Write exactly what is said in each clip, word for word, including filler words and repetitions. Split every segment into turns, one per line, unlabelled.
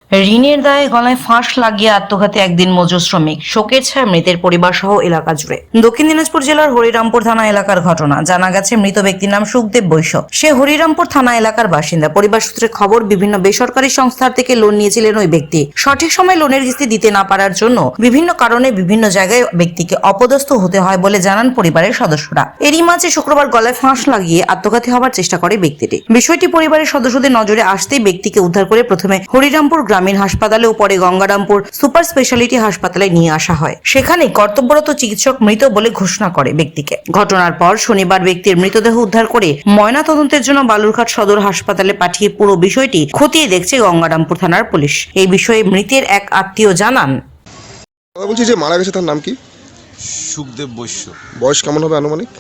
ঋণের দায়ে গলায় ফাঁস লাগিয়ে আত্মঘাতী একদিন মজুর শ্রমিক, শোকের ছায়া মৃতের পরিবার সহ এলাকা জুড়ে। দক্ষিণ দিনাজপুর জেলার হরিরামপুর থানা এলাকার ঘটনা। জানা গেছে মৃত ব্যক্তির নাম সুখদেব বৈশ্য। সে হরিরামপুর থানা এলাকার বাসিন্দা। পরিবার সূত্রে খবর, বিভিন্ন বেসরকারি সংস্থার থেকে লোন নিয়েছিলেন ওই ব্যক্তি। সঠিক সময় লোনের কিস্তি দিতে না পারার জন্য বিভিন্ন কারণে বিভিন্ন জায়গায় ব্যক্তিকে অপদস্থ হতে হয় বলে জানান পরিবারের সদস্যরা। এরই মাঝে শুক্রবার গলায় ফাঁস লাগিয়ে আত্মঘাতী হওয়ার চেষ্টা করে ব্যক্তিটি। বিষয়টি পরিবারের সদস্যদের নজরে আসতেই ব্যক্তিকে উদ্ধার করে প্রথমে হরিরামপুর গ্রামীণ হাসপাতালে ও পরে গঙ্গারামপুর সুপার স্পেশালিটি হাসপাতালে নিয়ে আসা হয়। সেখানে কর্তব্যরত চিকিৎসক মৃত বলে ঘোষণা করে ব্যক্তিকে। ঘটনার পর শনিবার ব্যক্তির মৃতদেহ উদ্ধার করে ময়না তদন্তের জন্য বালুরঘাট সদর হাসপাতালে পাঠিয়ে পুরো বিষয়টি খতিয়ে দেখছে গঙ্গারামপুর থানার পুলিশ। এই বিষয়ে মৃতের এক আত্মীয় জানান,
বলছি যে মারা গেছে তার নাম কি?
সুখদেব বৈশ্য।
বয়স কেমন হবে আনুমানিক?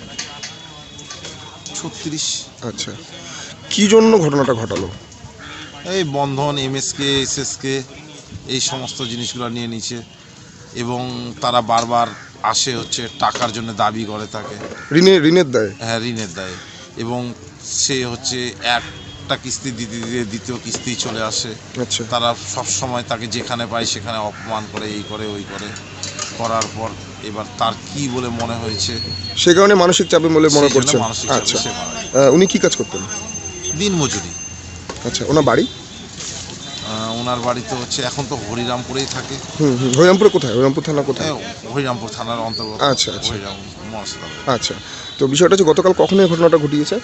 ছত্রিশ।
আচ্ছা, কি জন্য ঘটনাটা ঘটালো?
এই বন্ধন, এমএসকে, এসএসকে এই সমস্ত জিনিসগুলো নিয়ে নিচ্ছে এবং তারা বারবার আসে হচ্ছে টাকার জন্য দাবি করে থাকে।
ঋণের ঋণের দায়?
হ্যাঁ, ঋণের দায়ে। এবং সে হচ্ছে একটা কিস্তি দিতে দিতে দ্বিতীয় কিস্তি চলে আসে।
আচ্ছা,
তারা সব সময় তাকে যেখানে পায় সেখানে অপমান করে, এই করে ওই করে। করার পর এবার তার কি বলে মনে হয়েছে,
সে কারণে মানসিক চাপে বলে মনে
সেই জন্য
করছেন।
মানসিক চাপে
আচ্ছা,
সে মারা যায়।
আহ, উনি কি কাজ করতেন?
দিন মজুরি।
আচ্ছা, ওনার বাড়ি?
আহ, ওনার বাড়ি তো হচ্ছে এখন তো হরিরামপুরেই থাকে।
হুম হুম হরিরামপুরে কোথায়? হরিরামপুর থানা কোথায়?
হ্যাঁ, হরিরামপুর থানার অন্তর্গত।
আচ্ছা, আচ্ছা।
হরিরাম মহাসদর।
আচ্ছা, তো বিষয়টা হচ্ছে গতকাল কখন এই ঘটনাটা ঘটিয়েছে?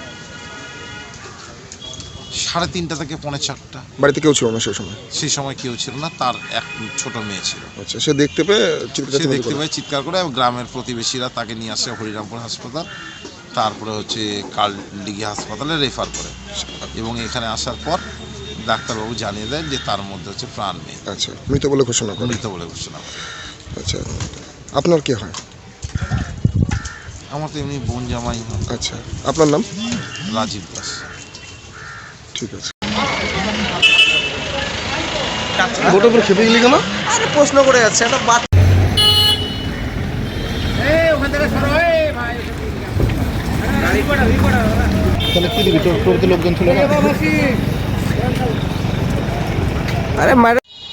সাড়ে তিনটা থেকে পৌনে চারটা।
বাড়িতে কেউ ছিল না সেই সময়?
সেই সময় কেউ ছিল না, তার এক ছোট মেয়ে ছিল।
আচ্ছা, সে দেখতে পেয়ে চিৎকার
সে
চেঁচামেচি
দেখতে
করে?
পায়, চিৎকার করে, এবং গ্রামের প্রতিবেশীরা তাকে নিয়ে আসে হরিরামপুর হাসপাতাল, তারপরে হচ্ছে কালডিঘি হাসপাতালে রেফার করে। এবং এখানে আসার পর ডাক্তারবাবু জানিয়ে দেন যে তার মধ্যে হচ্ছে প্রাণ নেই।
আচ্ছা, মৃত বলে ঘোষণা করে?
মৃত বলে ঘোষণা করে।
আচ্ছা, আপনার কি হয়?
আমার তো এমনি বোন জামাই হয়।
আচ্ছা, আপনার নাম?
রাজীব দাস।
ঠিক আছে। বোটের উপর খেপে গেলি কেন?
আরে প্রশ্ন করে যাচ্ছে একটা বাচ্চা।
তাহলে কি দিবি? তোর তোর তো লোকজন ছিল না?
আরে মারে